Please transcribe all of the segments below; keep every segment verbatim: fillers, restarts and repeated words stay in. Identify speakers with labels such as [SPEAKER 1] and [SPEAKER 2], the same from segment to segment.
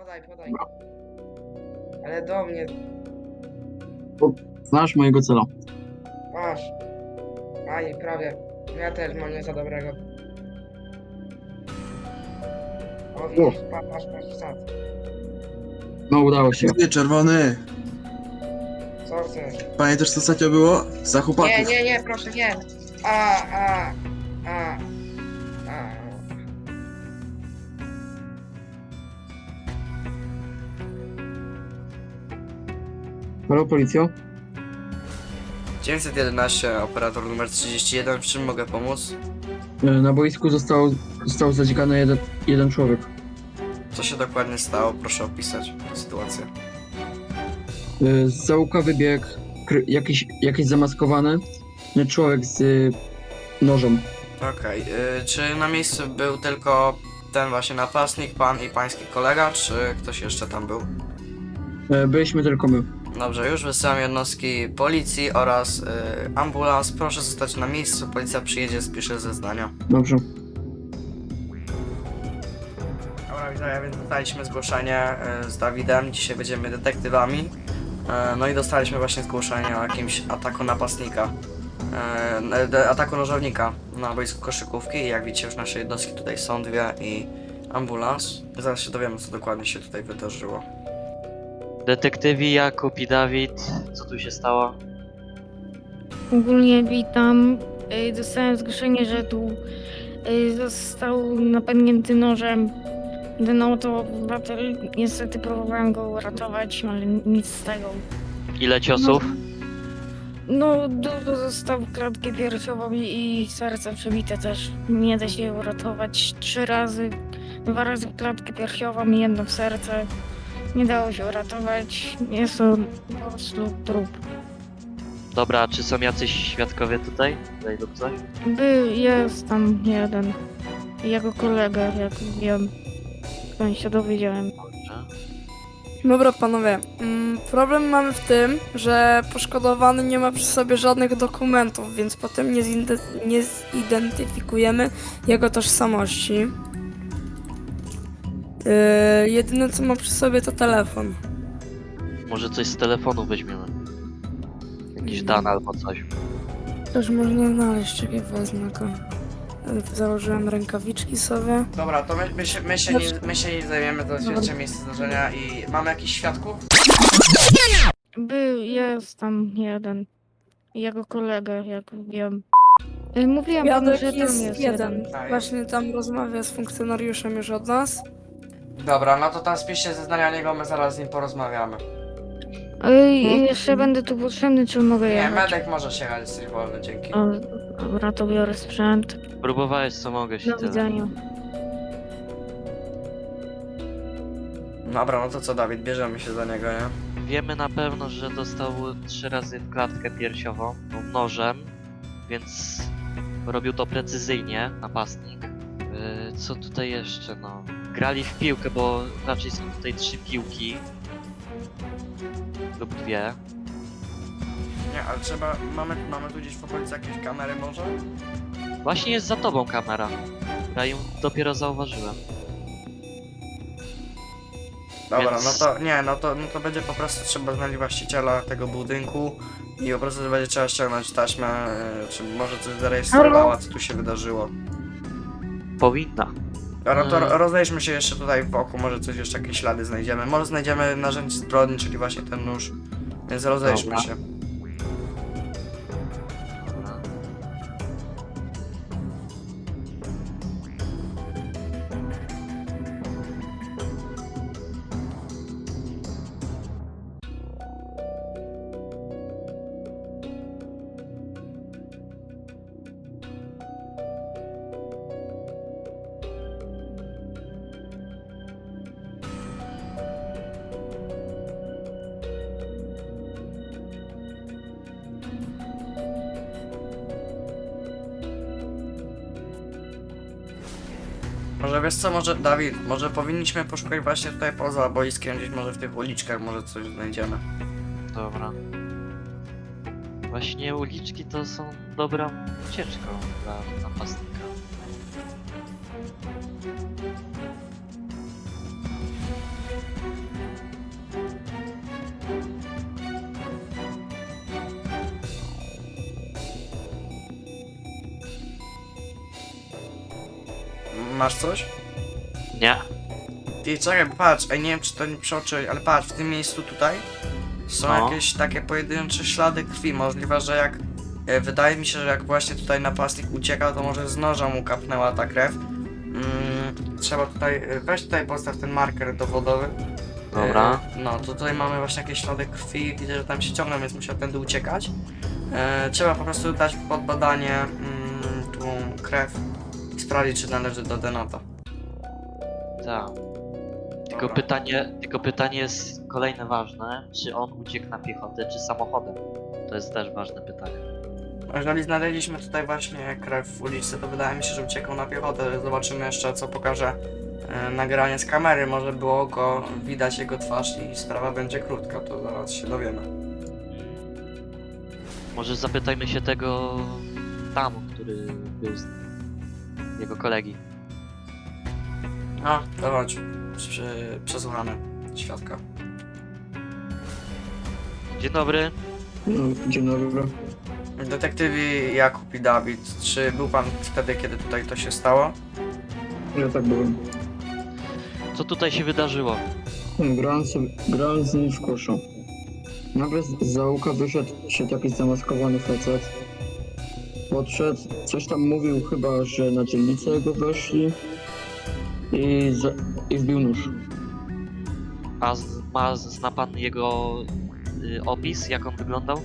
[SPEAKER 1] Podaj, podaj. Ale do mnie,
[SPEAKER 2] Znasz mojego cela.
[SPEAKER 1] masz. Aj, prawie. Ja też mam nie za dobrego. O, widzisz, patrz, patrz, patrz, sad.
[SPEAKER 2] No udało się.
[SPEAKER 3] Ty, czerwony!
[SPEAKER 1] Co chcesz?
[SPEAKER 3] Pamiętasz co ostatnio było? Za chłopaków.
[SPEAKER 1] Nie, nie, nie, proszę, nie. A, a, a, a.
[SPEAKER 2] Halo, policjo?
[SPEAKER 4] dziewięćset jedenaście, operator numer trzydzieści jeden, w czym mogę pomóc?
[SPEAKER 2] E, Na boisku został, został zadzikany jeden, jeden człowiek.
[SPEAKER 4] Co się dokładnie stało? Proszę opisać tę sytuację.
[SPEAKER 2] E, Z załuka wybiegł kry- jakiś, jakiś zamaskowany e, człowiek z e, nożem.
[SPEAKER 4] Okej, y, czy na miejscu był tylko ten właśnie napastnik, pan i pański kolega, czy ktoś jeszcze tam był?
[SPEAKER 2] E, Byliśmy tylko my.
[SPEAKER 4] Dobrze, już wysyłam jednostki policji oraz y, ambulans. Proszę zostać na miejscu, policja przyjedzie, spisze zeznania.
[SPEAKER 2] Dobrze.
[SPEAKER 4] Dobra, widzowie, więc dostaliśmy zgłoszenie y, z Dawidem, dzisiaj będziemy detektywami. Y, no i dostaliśmy właśnie zgłoszenie o jakimś ataku napastnika. y, de- Ataku nożownika na boisku koszykówki i jak widzicie już nasze jednostki tutaj są dwie i ambulans. Zaraz się dowiemy co dokładnie się tutaj wydarzyło.
[SPEAKER 5] Detektywi Jakub i Dawid, co tu się stało?
[SPEAKER 6] Ogólnie witam. Y, Dostałem zgłoszenie, że tu y, został napadnięty nożem ten oto obywatel. Niestety próbowałem go uratować, ale nic z tego.
[SPEAKER 5] Ile ciosów?
[SPEAKER 6] No, dużo został w klatkę piersiową i, i serce przebite też. Nie da się uratować trzy razy. Dwa razy w klatkę piersiową i jedno w serce. Nie dało się uratować. Jest to po prostu trup.
[SPEAKER 5] Dobra, a czy są jacyś świadkowie tutaj? Tutaj lub coś?
[SPEAKER 6] Był, jest tam jeden. Jego kolega, jak wiem. Skąd się dowiedziałem.
[SPEAKER 5] Dobrze.
[SPEAKER 7] Dobra panowie, mm, problem mamy w tym, że poszkodowany nie ma przy sobie żadnych dokumentów, więc potem nie, zinde- nie zidentyfikujemy jego tożsamości. Yy, jedyne co ma przy sobie to telefon.
[SPEAKER 5] Może coś z telefonu weźmiemy? Jakiś dan albo coś.
[SPEAKER 7] Też można znaleźć, czekaj wezmę go. Yy, Założyłem rękawiczki sobie.
[SPEAKER 4] Dobra, to my, my, się, my, się, nie, my się nie zajmiemy, to jest jeszcze miejsce zdarzenia i mamy jakichś świadków?
[SPEAKER 6] Był, jest tam jeden. Jego kolega, jak wiem. Y, Mówiłem panu,
[SPEAKER 7] Jadek
[SPEAKER 6] że tam
[SPEAKER 7] jest
[SPEAKER 6] jest
[SPEAKER 7] jeden.
[SPEAKER 6] jeden.
[SPEAKER 4] A,
[SPEAKER 7] Właśnie tam rozmawia z funkcjonariuszem już od nas.
[SPEAKER 4] Dobra, no to tam spiszcie zeznania niego, my zaraz z nim porozmawiamy.
[SPEAKER 6] Y, jeszcze będę tu potrzebny, czy mogę
[SPEAKER 4] Nie,
[SPEAKER 6] jechać?
[SPEAKER 4] medek możesz jechać, jesteś wolny, dzięki.
[SPEAKER 6] O, dobra, to biorę sprzęt.
[SPEAKER 5] Próbowałeś co mogę się
[SPEAKER 6] Do
[SPEAKER 5] tyle.
[SPEAKER 6] widzenia.
[SPEAKER 4] Dobra, no to co Dawid, bierzemy się za niego, nie?
[SPEAKER 5] Wiemy na pewno, że dostał trzy razy w klatkę piersiową no, nożem, więc robił to precyzyjnie, napastnik. Yy, co tutaj jeszcze, no? Grali w piłkę, bo raczej są tutaj trzy piłki. Lub dwie.
[SPEAKER 4] Nie, ale trzeba, mamy, mamy tu gdzieś w okolicy jakieś kamery może?
[SPEAKER 5] Właśnie jest za tobą kamera. Ja ją dopiero zauważyłem.
[SPEAKER 4] Dobra,
[SPEAKER 5] Więc-
[SPEAKER 4] no to nie, no to, no to będzie po prostu trzeba znaleźć właściciela tego budynku i po prostu będzie trzeba ściągnąć taśmę, e, czy może coś zarejestrowała, co tu się wydarzyło.
[SPEAKER 5] Powinna.
[SPEAKER 4] Dobra, to
[SPEAKER 5] Mm.
[SPEAKER 4] ro- rozejdźmy się jeszcze tutaj wokół, może coś jeszcze, jakieś ślady znajdziemy. Może znajdziemy narzędzie zbrodni, czyli właśnie ten nóż, więc rozejdźmy
[SPEAKER 5] Dobra.
[SPEAKER 4] się.
[SPEAKER 5] Dobra.
[SPEAKER 4] Może wiesz co, może Dawid, może powinniśmy poszukać właśnie tutaj poza boiskiem, gdzieś może w tych uliczkach, może coś znajdziemy.
[SPEAKER 5] Dobra. Właśnie uliczki to są dobrą ucieczką dla napastnika.
[SPEAKER 4] masz coś?
[SPEAKER 5] Nie?
[SPEAKER 4] Ty, czekaj, patrz, ej, nie wiem czy to nie przeoczyłeś, ale patrz, w tym miejscu tutaj są
[SPEAKER 5] No.
[SPEAKER 4] jakieś takie pojedyncze ślady krwi. Możliwe, że jak, e, wydaje mi się, że jak właśnie tutaj napastnik uciekał, to może z noża mu kapnęła ta krew. Mm, trzeba tutaj, e, weź tutaj postaw ten marker dowodowy.
[SPEAKER 5] Dobra.
[SPEAKER 4] E, no, to tutaj mamy właśnie jakieś ślady krwi, widzę, że tam się ciągną, więc musiał tędy uciekać. E, trzeba po prostu dać pod badanie mm, tą krew i sprawdzić, czy należy do Denata.
[SPEAKER 5] Tak. Tylko
[SPEAKER 4] Dobra.
[SPEAKER 5] pytanie, tylko pytanie jest kolejne ważne, czy on uciekł na piechotę, czy samochodem? To jest też ważne pytanie.
[SPEAKER 4] Jeżeli znaleźliśmy tutaj właśnie krew w uliczce, to wydaje mi się, że uciekał na piechotę. Zobaczymy jeszcze, co pokaże e, nagranie z kamery. Może było go widać jego twarz i sprawa będzie krótka, to zaraz się dowiemy.
[SPEAKER 5] Może zapytajmy się tego tam, który był z jego kolegi.
[SPEAKER 4] No, to chodź. Przy, przesłuchamy świadka.
[SPEAKER 5] Dzień dobry.
[SPEAKER 2] No, dzień dobry.
[SPEAKER 4] Detektywi Jakub i Dawid, czy był pan wtedy, kiedy tutaj to się stało?
[SPEAKER 2] Ja tak byłem.
[SPEAKER 5] Co tutaj się wydarzyło?
[SPEAKER 2] Grałem, sobie, grałem z nim w koszu. Nagle z z załuka wyszedł się jakiś zamaskowany facet. Podszedł, coś tam mówił chyba, że na dzielnicę jego weszli i, za, i wbił nóż.
[SPEAKER 5] A z, ma, zna pan jego y, opis, jak on wyglądał?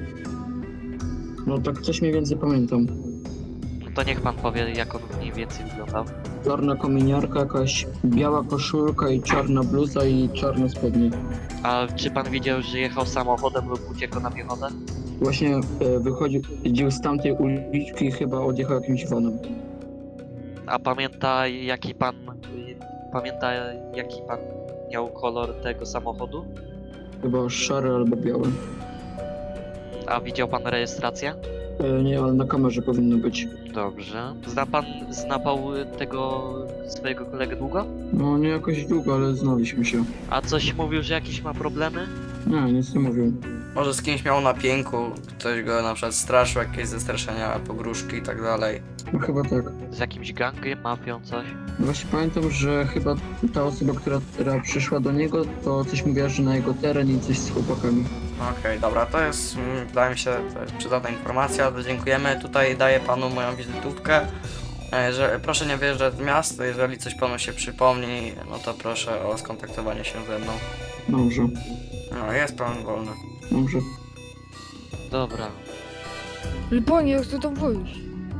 [SPEAKER 2] No tak coś mniej więcej pamiętam.
[SPEAKER 5] No to niech pan powie, jak on mniej więcej wyglądał.
[SPEAKER 2] Czarna kominiarka, jakaś biała koszulka i czarna bluza i czarne spodnie.
[SPEAKER 5] A czy pan widział, że jechał samochodem lub uciekł na piechotę?
[SPEAKER 2] Właśnie e, wychodził chodził z tamtej uliczki i chyba odjechał jakimś vanem.
[SPEAKER 5] A pamięta jaki pan pamięta jaki pan miał kolor tego samochodu?
[SPEAKER 2] Chyba szary albo biały.
[SPEAKER 5] A widział pan rejestrację?
[SPEAKER 2] E, nie, ale na kamerze powinno być.
[SPEAKER 5] Dobrze. Zna pan znapał tego swojego kolegę długo?
[SPEAKER 2] No nie jakoś długo, ale znaliśmy się.
[SPEAKER 5] A coś mówił, że jakieś ma problemy?
[SPEAKER 2] Nie, nic nie mówił.
[SPEAKER 4] Może z kimś miał na pięku, ktoś go na przykład straszył, jakieś zestraszenia, pogróżki i tak dalej.
[SPEAKER 2] No chyba tak.
[SPEAKER 5] Z jakimś gangiem, mafią, coś?
[SPEAKER 2] Właśnie pamiętam, że chyba ta osoba, która, która przyszła do niego, to coś mówiła, że na jego teren i coś z chłopakami.
[SPEAKER 4] Okej, dobra, to jest, mm, wydaje mi się, to jest przydatna informacja, to dziękujemy. Tutaj daję panu moją wizytówkę. E, Że, proszę nie wyjeżdżać z miasta, jeżeli coś panu się przypomni, no to proszę o skontaktowanie się ze mną.
[SPEAKER 2] Dobrze,
[SPEAKER 4] No, jest pan wolny.
[SPEAKER 2] dobrze.
[SPEAKER 5] Dobra.
[SPEAKER 6] Ale panie, ja chcę tam wyjść.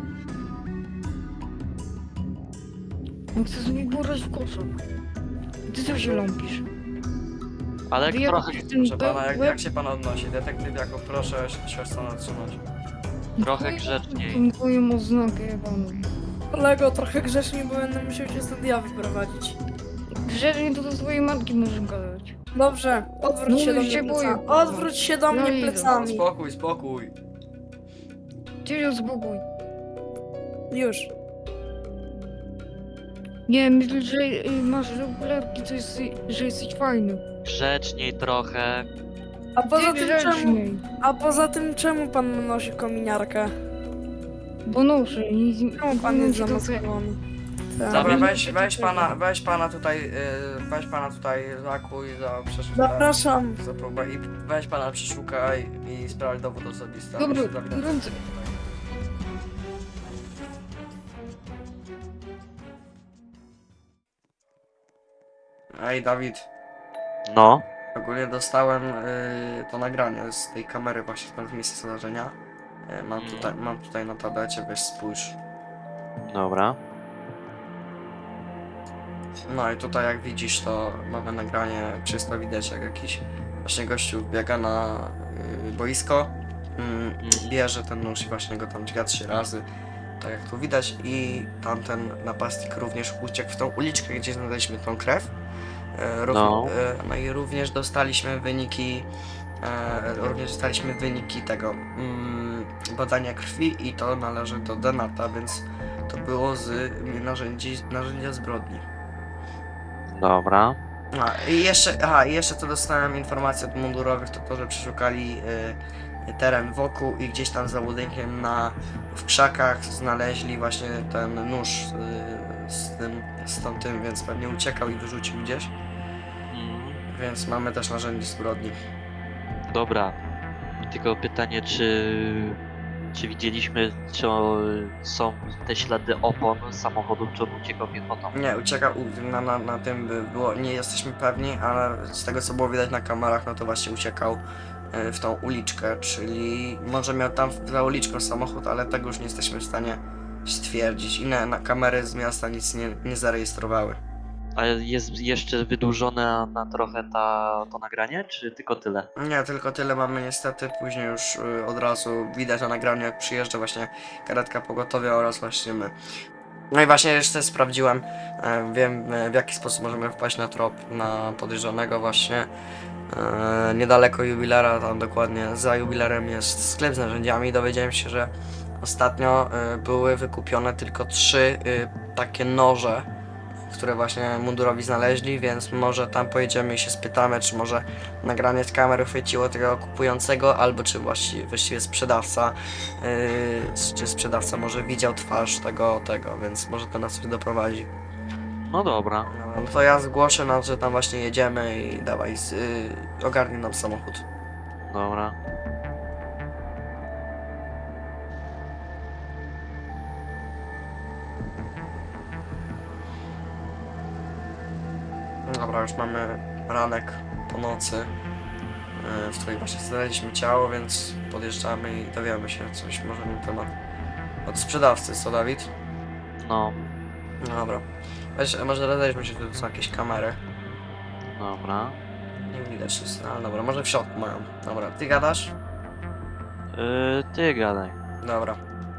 [SPEAKER 6] Ja chcę sobie górać w koszu. Ty co się ląpisz?
[SPEAKER 5] Ale
[SPEAKER 6] Wyjechał
[SPEAKER 5] trochę,
[SPEAKER 6] się ten
[SPEAKER 4] Proszę pana, jak,
[SPEAKER 6] łeb-
[SPEAKER 4] jak się pan odnosi? Detektyw jako proszę siostrę otrzymać.
[SPEAKER 5] trochę grzeczniej.
[SPEAKER 6] Dziękuję oznakę panu.
[SPEAKER 7] Kolego, trochę grzeczniej, bo będę musiał cię stąd ja wyprowadzić.
[SPEAKER 6] Grzecznie to do swojej matki możesz gadać.
[SPEAKER 7] Dobrze, odwróć
[SPEAKER 6] No
[SPEAKER 7] się do
[SPEAKER 6] już
[SPEAKER 7] mnie
[SPEAKER 6] się boję,
[SPEAKER 7] plecami.
[SPEAKER 6] kurwa.
[SPEAKER 7] Odwróć się do
[SPEAKER 6] No
[SPEAKER 7] mnie
[SPEAKER 6] idę.
[SPEAKER 7] plecami.
[SPEAKER 4] Spokój, spokój.
[SPEAKER 6] Ty się spokój.
[SPEAKER 7] Już.
[SPEAKER 6] Nie, myślę, że y, masz okularki, to jest, że jesteś fajny.
[SPEAKER 5] Grzeczniej trochę.
[SPEAKER 7] A poza
[SPEAKER 6] Ty
[SPEAKER 7] tym czemu,
[SPEAKER 6] grzeczniej.
[SPEAKER 7] a poza tym czemu pan nosi kominiarkę?
[SPEAKER 6] Bo noszę i...
[SPEAKER 7] Czemu pan jest zamaskowany? Tak.
[SPEAKER 4] Dobra,
[SPEAKER 5] Zabij-
[SPEAKER 4] weź, weź pana, weź pana tutaj, yy, weź pana tutaj zakuj za przeszukanie.
[SPEAKER 7] Zapraszam.
[SPEAKER 4] Za próbę i weź pana przeszukaj i sprawdź dowód osobisty. a
[SPEAKER 6] Dobra,
[SPEAKER 4] myślę, że Dawida
[SPEAKER 6] ręce.
[SPEAKER 4] tutaj. Ej, Dawid,
[SPEAKER 5] No.
[SPEAKER 4] ogólnie dostałem y, to nagranie z tej kamery właśnie tam z miejsca zdarzenia. Y, mam,
[SPEAKER 5] Mhm.
[SPEAKER 4] tutaj, mam tutaj na tablecie, weź spójrz.
[SPEAKER 5] Dobra.
[SPEAKER 4] No i tutaj jak widzisz, to mamy nagranie, czysto widać jak jakiś właśnie gościu biega na y, boisko, mm, bierze ten nóż i właśnie go tam dźga trzy razy, tak jak tu widać, i tamten napastnik również uciekł w tą uliczkę, gdzie znaleźliśmy tą krew. E, rów-
[SPEAKER 5] No.
[SPEAKER 4] e, no i również dostaliśmy wyniki, e, również dostaliśmy wyniki tego mm, badania krwi i to należy do Denata, więc to było z narzędzi, narzędzia zbrodni.
[SPEAKER 5] Dobra.
[SPEAKER 4] A, i jeszcze, aha, i jeszcze to dostałem informację od mundurowych, to to, że przeszukali y, teren wokół i gdzieś tam za budynkiem na, w krzakach znaleźli właśnie ten nóż y, z tym, z tamtym, więc pewnie uciekał i wyrzucił gdzieś.
[SPEAKER 5] Mm,
[SPEAKER 4] Więc mamy też narzędzie zbrodni.
[SPEAKER 5] dobra. Tylko pytanie, czy... Czy widzieliśmy, czy o, są te ślady opon samochodu, czy on uciekał piechotą?
[SPEAKER 4] Nie, uciekał u- na, na, na tym by było, nie jesteśmy pewni, ale z tego co było widać na kamerach, no to właśnie uciekał y, w tą uliczkę, czyli może miał tam za uliczką samochód, ale tego już nie jesteśmy w stanie stwierdzić. Inne na kamery z miasta nic nie, nie zarejestrowały.
[SPEAKER 5] A jest jeszcze wydłużone na, na trochę ta, to nagranie, czy tylko tyle?
[SPEAKER 4] Nie, tylko tyle mamy niestety, później już y, od razu widać na nagraniu jak przyjeżdża właśnie karetka pogotowia oraz właśnie my. No i właśnie jeszcze sprawdziłem, e, wiem e, w jaki sposób możemy wpaść na trop na podejrzanego właśnie. E, niedaleko jubilera, tam dokładnie za jubilerem jest sklep z narzędziami. Dowiedziałem się, że ostatnio e, były wykupione tylko trzy e, takie noże, które właśnie mundurowi znaleźli, więc może tam pojedziemy i się spytamy, czy może nagranie z kamery chwyciło tego kupującego, albo czy właściwie, właściwie sprzedawca, yy, czy sprzedawca może widział twarz tego, tego, więc może to nas coś doprowadzi.
[SPEAKER 5] No dobra.
[SPEAKER 4] No, no to ja zgłoszę nam, że tam właśnie jedziemy i dawaj, z, yy, ogarnij nam samochód.
[SPEAKER 5] Dobra.
[SPEAKER 4] Dobra, już mamy ranek po nocy, yy, w której właśnie znaleźliśmy ciało, więc podjeżdżamy i dowiemy się coś może na temat od sprzedawcy, co Dawid?
[SPEAKER 5] No,
[SPEAKER 4] No dobra. Weź, może rozejdźmy się, tu są jakieś kamery.
[SPEAKER 5] dobra.
[SPEAKER 4] Nie widać nic, ale dobra, może w środku mają. Dobra, ty gadasz?
[SPEAKER 5] Yy, ty gadaj.
[SPEAKER 4] Dobra.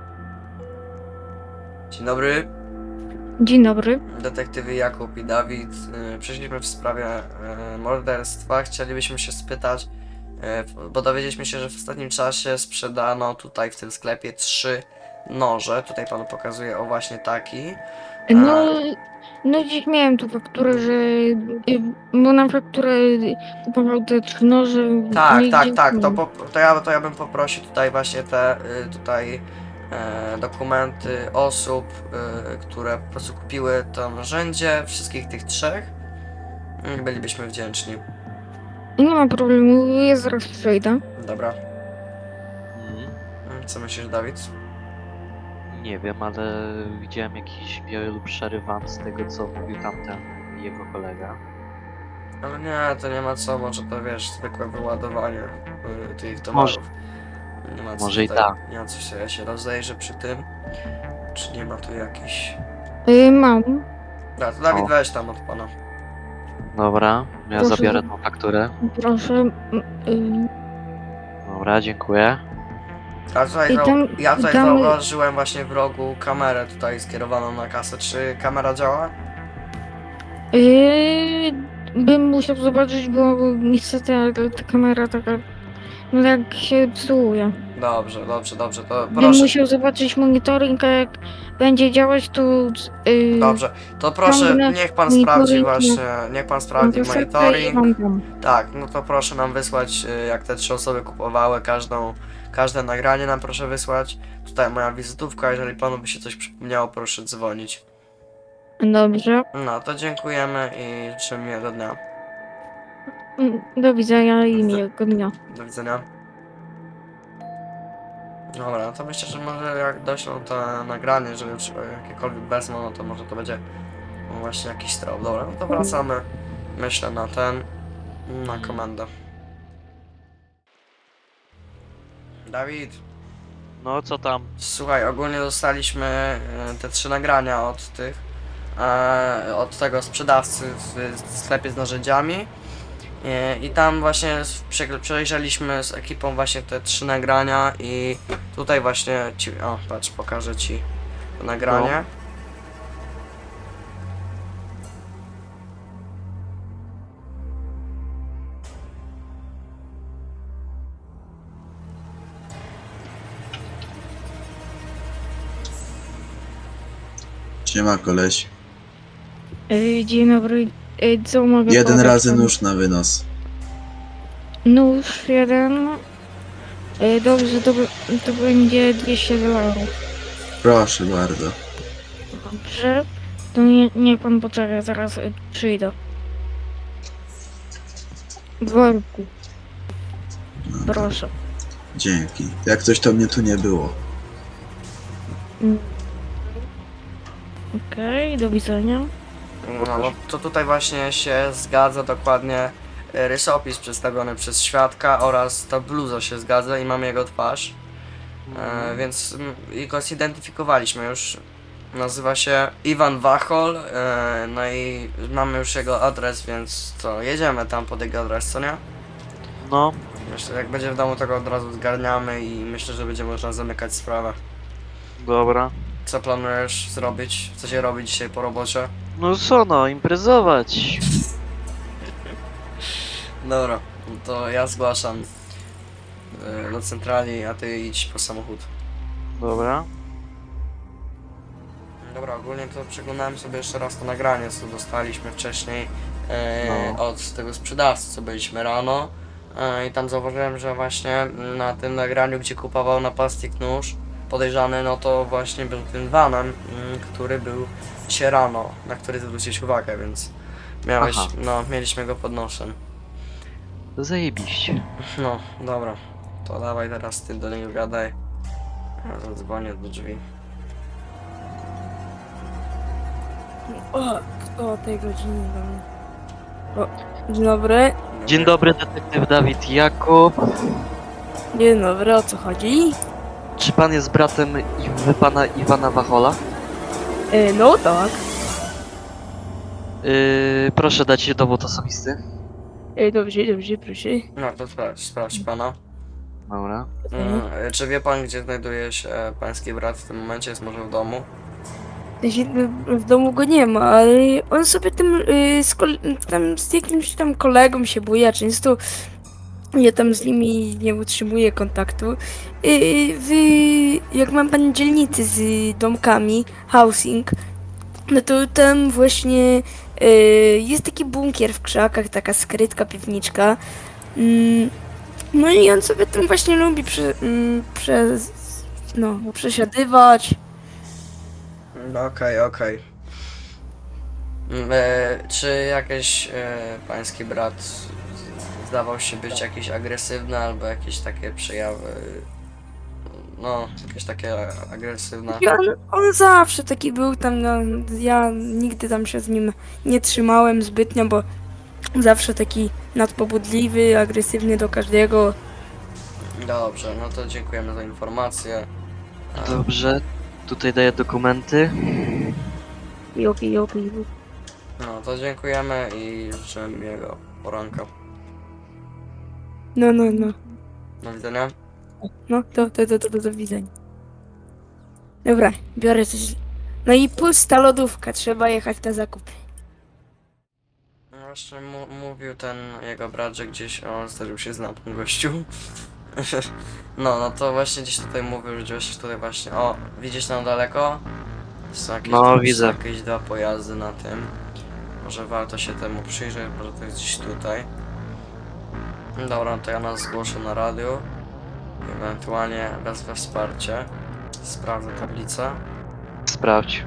[SPEAKER 4] Dzień dobry,
[SPEAKER 6] Dzień dobry.
[SPEAKER 4] detektywy Jakub i Dawid. Yy, Przyszliśmy w sprawie yy, morderstwa. Chcielibyśmy się spytać, yy, bo dowiedzieliśmy się, że w ostatnim czasie sprzedano tutaj w tym sklepie trzy noże. Tutaj panu pokazuję, o właśnie taki.
[SPEAKER 6] No, no dziś miałem tu fakturę, że... y, Bo na fakturę kupował te trzy noże.
[SPEAKER 4] Tak,
[SPEAKER 6] no i
[SPEAKER 4] tak,
[SPEAKER 6] gdzieś
[SPEAKER 4] tak, to,
[SPEAKER 6] miałem.
[SPEAKER 4] po, to, ja, to ja bym poprosił tutaj właśnie te y, tutaj e, dokumenty osób, y, które po prostu kupiły to narzędzie, wszystkich tych trzech. Mm, Bylibyśmy wdzięczni.
[SPEAKER 6] Nie ma problemu, ja zaraz przejdę.
[SPEAKER 4] Dobra.
[SPEAKER 5] Mm,
[SPEAKER 4] Mm, Co myślisz, Dawid?
[SPEAKER 5] nie wiem, ale widziałem jakiś biały lub szary van z tego, co mówił tamten jego kolega.
[SPEAKER 4] Ale nie, to nie ma co, może to wiesz, zwykłe wyładowanie y, tych towarów. Nie ma co
[SPEAKER 5] może i
[SPEAKER 4] tutaj,
[SPEAKER 5] tak.
[SPEAKER 4] Nie ma co się, ja się rozejrzę przy tym. Czy nie ma tu jakiś...
[SPEAKER 6] Y, mam.
[SPEAKER 4] Da, to Dawid
[SPEAKER 5] O.
[SPEAKER 4] weź tam od pana.
[SPEAKER 5] Dobra, ja
[SPEAKER 6] Proszę
[SPEAKER 5] zabiorę
[SPEAKER 6] za-
[SPEAKER 5] tą fakturę.
[SPEAKER 6] Proszę. y,
[SPEAKER 5] Dobra, dziękuję.
[SPEAKER 4] A tutaj
[SPEAKER 6] I
[SPEAKER 4] zau-
[SPEAKER 6] tam-
[SPEAKER 4] ja tutaj
[SPEAKER 6] tam-
[SPEAKER 4] zauważyłem właśnie w rogu kamerę tutaj skierowaną na kasę. Czy kamera działa?
[SPEAKER 6] Yy, bym musiał zobaczyć, bo niestety ale ta kamera taka, no jak się psuje.
[SPEAKER 4] Dobrze, dobrze, dobrze, to
[SPEAKER 6] Bym
[SPEAKER 4] proszę.
[SPEAKER 6] musiał zobaczyć monitoring, a jak będzie działać, to... Yy,
[SPEAKER 4] Dobrze, to proszę,
[SPEAKER 6] ciągnę
[SPEAKER 4] niech pan
[SPEAKER 6] monitoring
[SPEAKER 4] sprawdzi
[SPEAKER 6] na-
[SPEAKER 4] właśnie, niech pan sprawdzi
[SPEAKER 6] na kasetę i
[SPEAKER 4] monitoring.
[SPEAKER 6] mam tam.
[SPEAKER 4] Tak, no to proszę nam wysłać, y, jak te trzy osoby kupowały, każdą, każde nagranie nam proszę wysłać. Tutaj moja wizytówka, jeżeli panu by się coś przypomniało, proszę dzwonić.
[SPEAKER 6] Dobrze.
[SPEAKER 4] No, to dziękujemy i życzymy miłego dnia.
[SPEAKER 6] Mm, Do widzenia i miłego dnia.
[SPEAKER 4] Do widzenia. Dobra, no to myślę, że może jak doślą to nagranie, że już jakiekolwiek wezmą, no to może to będzie właśnie jakiś strop. Dobra, no to wracamy, myślę, na ten, na komendę. Dawid,
[SPEAKER 5] No co tam?
[SPEAKER 4] słuchaj, ogólnie dostaliśmy e, te trzy nagrania od tych, e, od tego sprzedawcy w sklepie z narzędziami. E, I tam właśnie s- prze- przejrzeliśmy z ekipą właśnie te trzy nagrania i tutaj właśnie ci, o patrz, pokażę ci to nagranie.
[SPEAKER 3] Siema koleś.
[SPEAKER 6] Yy, Dzień dobry. Yy, Co mogę
[SPEAKER 3] Jeden
[SPEAKER 6] podać
[SPEAKER 3] razy
[SPEAKER 6] panu?
[SPEAKER 3] nóż na wynos.
[SPEAKER 6] Nóż jeden. Yy, Dobrze, to, b- to będzie dwieście dolarów.
[SPEAKER 3] Proszę bardzo.
[SPEAKER 6] Dobrze. To nie, nie pan poczeka, zaraz y, przyjdę. W worku. Proszę.
[SPEAKER 3] Dzięki. Jak coś to mnie tu nie było.
[SPEAKER 6] Mm. Okej, do widzenia.
[SPEAKER 4] No, no to tutaj właśnie się zgadza dokładnie e, rysopis przedstawiony przez świadka oraz ta bluza się zgadza i mamy jego twarz. E, więc mm, i go zidentyfikowaliśmy już. Nazywa się Iwan Wachol, e, no i mamy już jego adres, więc co, jedziemy tam pod jego adres, co nie?
[SPEAKER 5] No,
[SPEAKER 4] Myślę, jak będzie w domu, to go od razu zgarniamy i myślę, że będzie można zamykać sprawę.
[SPEAKER 5] dobra.
[SPEAKER 4] Co planujesz zrobić? Co się robi dzisiaj po robocie?
[SPEAKER 5] No co no, imprezować.
[SPEAKER 4] Dobra, no to ja zgłaszam e, do centrali, a ty idź po samochód.
[SPEAKER 5] Dobra.
[SPEAKER 4] Dobra, ogólnie to przeglądałem sobie jeszcze raz to nagranie, co dostaliśmy wcześniej e,
[SPEAKER 5] No.
[SPEAKER 4] od tego sprzedawcy, co byliśmy rano. E, I tam zauważyłem, że właśnie na tym nagraniu, gdzie kupował napastnik nóż, podejrzany, no to właśnie był tym vanem, mm, który był dzisiaj rano, na który zwrócić uwagę, więc miałeś,
[SPEAKER 5] Aha.
[SPEAKER 4] no, mieliśmy go pod nosem.
[SPEAKER 5] Zajebiście.
[SPEAKER 4] No, dobra, to dawaj teraz ty do niego gadaj. Ja zadzwonię do drzwi.
[SPEAKER 7] O, kto o tej godzinie do mnie? O, dzień dobry.
[SPEAKER 5] Dzień dobry, detektyw Dawid Jakub.
[SPEAKER 7] Dzień dobry, o co chodzi?
[SPEAKER 5] Czy pan jest bratem Iw- pana Iwana Wachola?
[SPEAKER 7] E, no tak.
[SPEAKER 5] Yy, proszę dać dowód osobisty.
[SPEAKER 7] E, dobrze, dobrze, proszę.
[SPEAKER 4] No to sprawdź, sprawdź pana.
[SPEAKER 5] Dobra.
[SPEAKER 4] Mm, czy wie pan, gdzie znajduje się e, pański brat w tym momencie? Jest może w domu?
[SPEAKER 7] Ja się, no, w domu go nie ma, ale on sobie tym, y, z, kol- tam, z jakimś tam kolegą się buja często. Ja tam z nimi nie utrzymuję kontaktu. Y, w, jak mam pan dzielnicy z domkami, housing, no to tam właśnie y, jest taki bunkier w krzakach, taka skrytka, piwniczka. Mm, no i on sobie tam właśnie lubi prze, mm, przez, no, przesiadywać.
[SPEAKER 4] Mm, Okej, okej. Mm, e, czy jakiś e, pański brat z- zdawał się być jakiś agresywny albo jakieś takie przejawy? No, jakieś takie agresywne.
[SPEAKER 7] I on, on zawsze taki był tam, no, ja nigdy tam się z nim nie trzymałem zbytnio, bo zawsze taki nadpobudliwy, agresywny do każdego.
[SPEAKER 4] Dobrze, no to dziękujemy za informację. A,
[SPEAKER 5] Dobrze. Tutaj daję dokumenty.
[SPEAKER 7] Jopi, jopi.
[SPEAKER 4] No to dziękujemy i życzę miłego poranka.
[SPEAKER 7] No, no, no.
[SPEAKER 4] Do widzenia.
[SPEAKER 7] No, to, to, to, to, to do widzenia. Dobra, biorę coś. No i pusta lodówka, trzeba jechać na zakupy.
[SPEAKER 4] No właśnie mu mówił ten jego brat, że gdzieś on zdarzył się z lampą gościu. No, no to właśnie gdzieś tutaj mówił, że gdzieś tutaj właśnie, o, widzisz tam daleko? Są jakieś,
[SPEAKER 5] No,
[SPEAKER 4] są
[SPEAKER 5] widzę.
[SPEAKER 4] jakieś dwa pojazdy na tym. Może warto się temu przyjrzeć, może to jest gdzieś tutaj. Dobra, to ja nas zgłoszę na radiu. Ewentualnie wezwę wsparcie. Sprawdzę tablicę.
[SPEAKER 5] Sprawdź.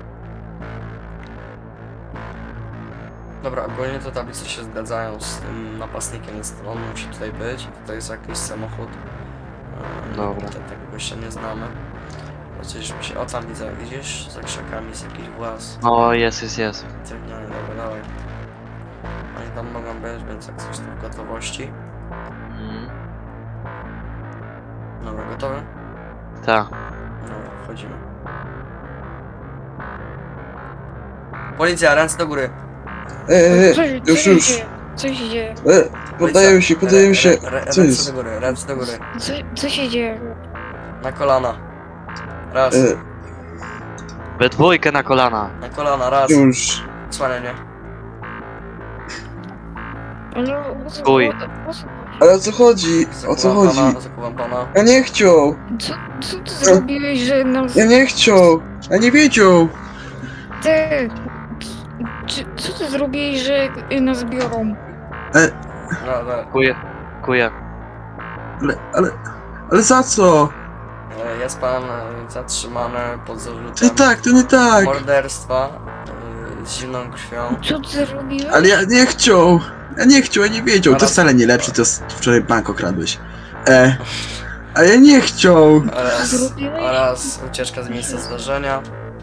[SPEAKER 4] Dobra, ogólnie te tablice się zgadzają z tym napastnikiem, więc on musi tutaj być. Tutaj jest jakiś samochód. Eee,
[SPEAKER 5] Dobra.
[SPEAKER 4] te- Tego gościa nie znamy. Coś mi się... O, tam widzę, widzisz? Za krzakami jest jakiś włas.
[SPEAKER 5] O, jest, jest, jest.
[SPEAKER 4] Drewniany, dobra, dawaj. Oni tam mogą być, więc jak coś to w gotowości.
[SPEAKER 5] Mm,
[SPEAKER 4] Dobra, gotowy?
[SPEAKER 5] tak.
[SPEAKER 4] Dobra, wchodzimy. Policja, ręce do góry.
[SPEAKER 1] E,
[SPEAKER 6] Co,
[SPEAKER 1] e,
[SPEAKER 6] co
[SPEAKER 1] już,
[SPEAKER 6] się
[SPEAKER 1] już.
[SPEAKER 6] dzieje? Co się dzieje?
[SPEAKER 1] E, poddaję się, poddaję się.
[SPEAKER 4] Rę- rę-
[SPEAKER 1] Co
[SPEAKER 4] Ręce
[SPEAKER 1] jest?
[SPEAKER 4] do góry, ręce do góry.
[SPEAKER 6] Co, co się dzieje?
[SPEAKER 4] Na kolana. Raz.
[SPEAKER 1] E,
[SPEAKER 5] We dwójkę na kolana.
[SPEAKER 4] Na kolana, raz.
[SPEAKER 1] już.
[SPEAKER 4] Słania mnie.
[SPEAKER 6] Ale o co,
[SPEAKER 5] Stój.
[SPEAKER 6] o, o co,
[SPEAKER 1] Ale o co chodzi? O co
[SPEAKER 4] Zakuwam
[SPEAKER 1] chodzi?
[SPEAKER 4] Pana, zakuwam pana.
[SPEAKER 1] Ja nie chciał.
[SPEAKER 6] co, co ty zrobiłeś, że nas...
[SPEAKER 1] Ja nie chciał. Ja nie wiedział.
[SPEAKER 6] Ty... Czy, co ty zrobiłeś, że nas biorą?
[SPEAKER 4] No, no.
[SPEAKER 5] Kuję. Kuję.
[SPEAKER 1] Ale, ale, ale za co?
[SPEAKER 4] E, Jest pan e, zatrzymany pod
[SPEAKER 1] To
[SPEAKER 4] zarzutem
[SPEAKER 1] nie tak, to nie tak.
[SPEAKER 4] morderstwa z zimną krwią.
[SPEAKER 6] Co ty zrobiłeś?
[SPEAKER 3] Ale ja nie chciał. Ja nie chciał, ja nie wiedział. To
[SPEAKER 4] Oraz-
[SPEAKER 3] wcale nie lepszy, to s- wczoraj bank okradłeś. E, a ja nie chciał.
[SPEAKER 4] Oraz,
[SPEAKER 6] Zrobiłeś?
[SPEAKER 4] oraz ucieczka z miejsca zdarzenia.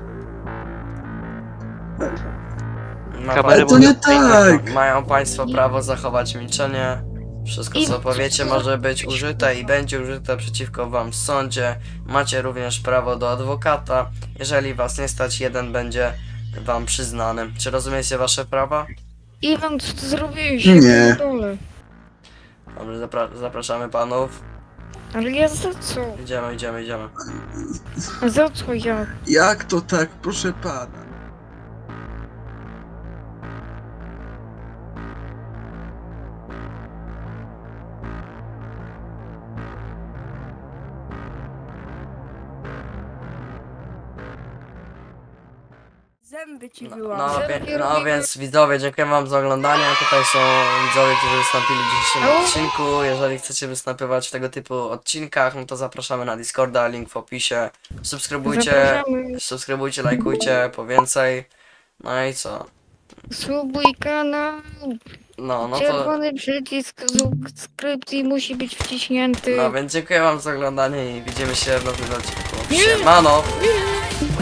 [SPEAKER 4] Ma
[SPEAKER 5] Kamery
[SPEAKER 3] Ale to nie tak.
[SPEAKER 4] Mają Państwo prawo zachować milczenie. Wszystko co
[SPEAKER 6] I-
[SPEAKER 4] powiecie może być użyte i będzie użyte przeciwko Wam w sądzie. Macie również prawo do adwokata. Jeżeli Was nie stać, jeden będzie Wam przyznany. Czy rozumiecie Wasze prawa?
[SPEAKER 6] Iwan, co ty zrobiłeś?
[SPEAKER 3] Nie.
[SPEAKER 6] Dole.
[SPEAKER 4] Dobrze, zapra- zapraszamy Panów.
[SPEAKER 6] Ale ja za co?
[SPEAKER 4] Idziemy, idziemy, idziemy.
[SPEAKER 6] A za co ja?
[SPEAKER 3] Jak to tak, proszę pana?
[SPEAKER 7] Zęby ci
[SPEAKER 4] No,
[SPEAKER 7] wyłamał.
[SPEAKER 4] no, wie, no więc widzowie, dziękuję Wam za oglądanie. Tutaj są widzowie, którzy wystąpili w dzisiejszym odcinku. Jeżeli chcecie występować w tego typu odcinkach, no to zapraszamy na Discorda, link w opisie. Subskrybujcie,
[SPEAKER 6] Zapraszamy.
[SPEAKER 4] subskrybujcie, lajkujcie po więcej. No i co?
[SPEAKER 6] Subuj kanał.
[SPEAKER 4] No, no to...
[SPEAKER 6] Czerwony przycisk subskrypcji musi być wciśnięty.
[SPEAKER 4] No więc dziękuję Wam za oglądanie i widzimy się w nowym odcinku. Siemano!
[SPEAKER 6] Nie.